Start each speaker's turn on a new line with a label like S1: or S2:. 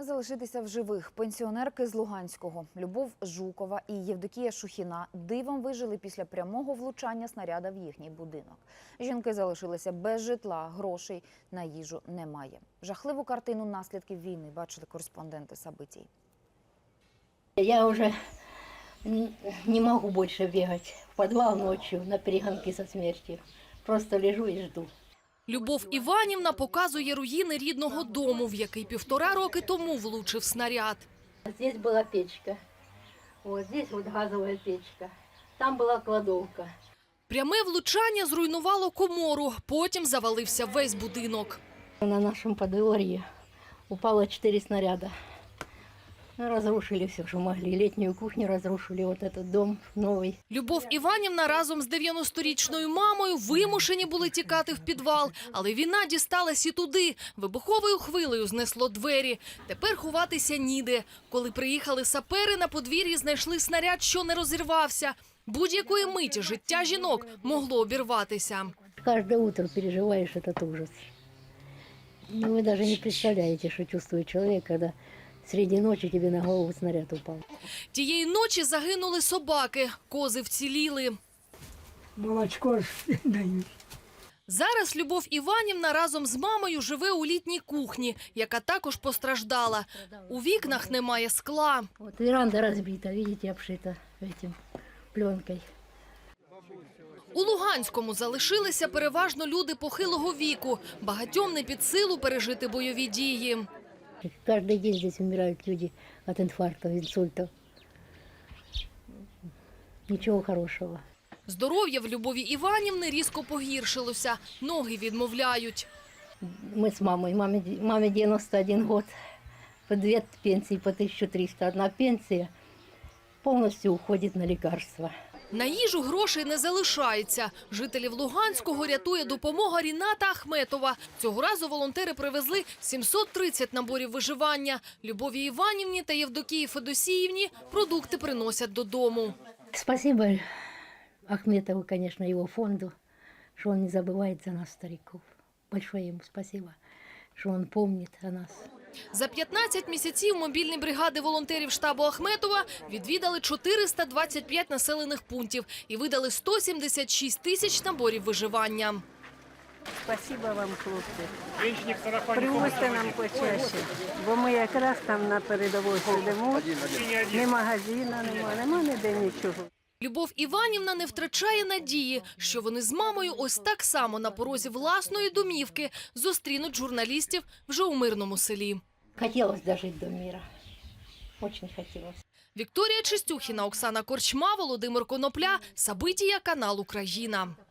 S1: Залишитися в живих пенсіонерки з Луганського Любов Жукова і Євдокія Шухіна дивом вижили після прямого влучання снаряда в їхній будинок. Жінки залишилися без житла, грошей на їжу немає. Жахливу картину наслідків війни бачили кореспонденти Событий.
S2: Я уже не могу больше бегать в подвал ночью на перегонки со смертью. Просто лежу и жду.
S3: Любов Іванівна показує руїни рідного дому, в який 1,5 роки тому влучив снаряд.
S2: Здесь была печка, вот здесь вот газовая печка, там была кладовка.
S3: Пряме влучання зруйнувало комору, потім завалився весь будинок.
S2: На нашем подворье упало 4 снаряда. Разрушили все, что могли. Летнюю кухню разрушили, вот этот дом новый.
S3: Любов Іванівна разом з 90-річною мамою вимушені були тікати в підвал. Але війна дісталась і туди. Вибуховою хвилею знесло двері. Тепер ховатися ніде. Коли приїхали сапери, на подвір'ї знайшли снаряд, що не розірвався. Будь-якої миті життя жінок могло обірватися.
S2: Каждое утро переживаешь этот ужас. Вы даже не представляете, что чувствует человек, когда среди ночи тебе на голову снаряд упал.
S3: Тієї ночі загинули собаки, кози вціліли.
S4: Молочко ж дають.
S3: Зараз Любов Іванівна разом з мамою живе у літній кухні, яка також постраждала. У вікнах немає скла.
S2: Вот веранда разбита, видите, обшита этим пленкой.
S3: У Луганському залишилися переважно люди похилого віку. Багатьом не під силу пережити бойові дії.
S2: Каждый день здесь умирают люди от инфарктов, инсультов. Ничего хорошего.
S3: Здоров'я в Любові Іванівни різко погіршилося. Ноги відмовляють.
S2: Мы с мамой, маме 91 год, по 2 пенсии, по 1300. Одна пенсия полностью уходит на лекарства.
S3: На їжу грошей не залишається. Жителів Луганського рятує допомога Ріната Ахметова. Цього разу волонтери привезли 730 наборів виживання. Любові Іванівні та Євдокії Федосіївні продукти приносять додому.
S2: Спасибо Ахметову, конечно, его фонду, что он не забывает за нас, стариков. Большое ему спасибо, что он помнит о нас.
S3: За 15 місяців мобільні бригади волонтерів штабу Ахметова відвідали 425 населених пунктів і видали 176 тисяч наборів виживання.
S5: Спасибо вам, хлопці. Привозьте нам почаще, бо ми якраз там на передовій сидимо, ні магазину нема ніде нічого.
S3: Любов Іванівна не втрачає надії, що вони з мамою ось так само на порозі власної домівки зустрінуть журналістів вже у мирному селі.
S2: Хотелось дожить до мира. Очень хотелось.
S3: Вікторія Чистюхіна, Оксана Корчма, Володимир Конопля, События, канал Україна.